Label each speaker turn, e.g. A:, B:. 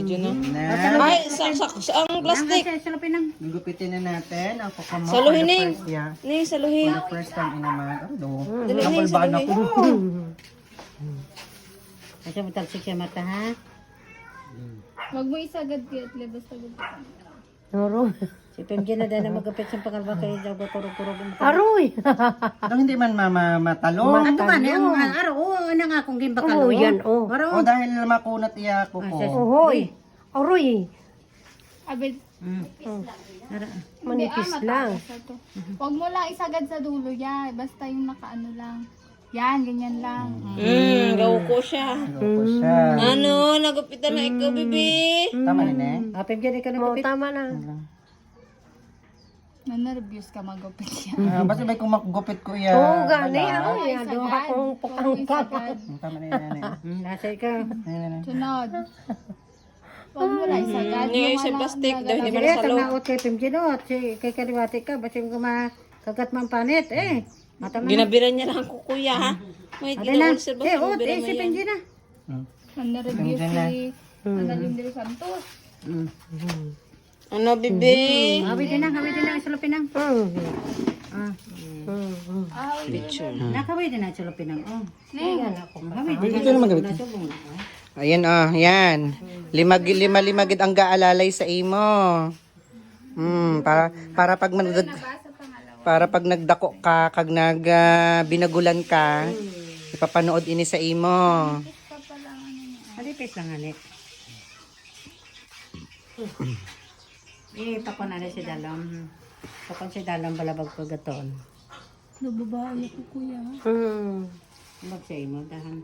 A: Diyan na.
B: Na.
A: Ay, ang plastic.
B: Gugupitin na natin ang kuko mo.
A: Saluhin,
B: For the
A: Ning.
B: first, yeah.
A: Ning, saluhin.
B: For the first time inaman. Ano?
A: Dali, Ning,
B: Napulbaan ako.
C: Kasi matalsik siya mata, ha?
D: Wag mo isagad kaya basta gud.
C: Noro. Si Pemji na dahil na magapit sa pangalba kayo daw kurog-kurog.
E: Aroy!
B: Ito hindi man matalo.
C: Ano ba? Ang araw, ano nga kung gimbakalo?
E: Oo, yan, oh.
B: O dahil makunat iya kuko.
E: Ohoy! Aroy!
D: Abid.
E: Manipis lang.
D: Wag mo lang isagad sa dulo ya, basta yung nakaano lang. Yan, ganyan lang.
A: Gaw ko siya.
B: Kuko siya.
A: Ano, nagupitan na ikaw, bibi.
B: Tama rin eh.
C: Pemji na ka
E: Oo,
C: nagapit.
E: tama na.
D: Nanervyos ka magupit yan.
B: Basta may kumagupit ko iya.
E: Oo, gani.
B: wala.
E: Aroy! Ano akong pukang ka.
B: Tama rin yan.
C: Nasa ka.
D: Sunod. Wag mo lang isagad.
A: Yung sa plastic, daw hindi man
C: Sige,
A: salo.
C: tanaot kay Pemji no. At kay kaliwati ka. Basta yung kumakagat man panit, eh. Mata man.
A: Ginabiran niya lang ako, kuya, ha? May
C: Ate na.
A: ginawa sa basta,
C: Eh,
A: ginabiran mo
C: si
A: yan.
C: Pemji na.
D: Nanervyos si Annalyn de los Santos.
A: Ano, bibi?
C: Hawitin na, isulupin na. Nakawitin na, isulupin na. Oh. Hawitin
B: Ito naman gawin. Ayan yan. Lima-limagid ang gaalalay sa imo. Para pag nagdako ka, kag binagulan ka, ipapanood ini sa imo.
C: Halipis lang, halip. Pakon na si Dalam. Pakon si Dalam balabag ko gaton.
D: Nababae ko kuya.
C: Mag sa imo, dahan.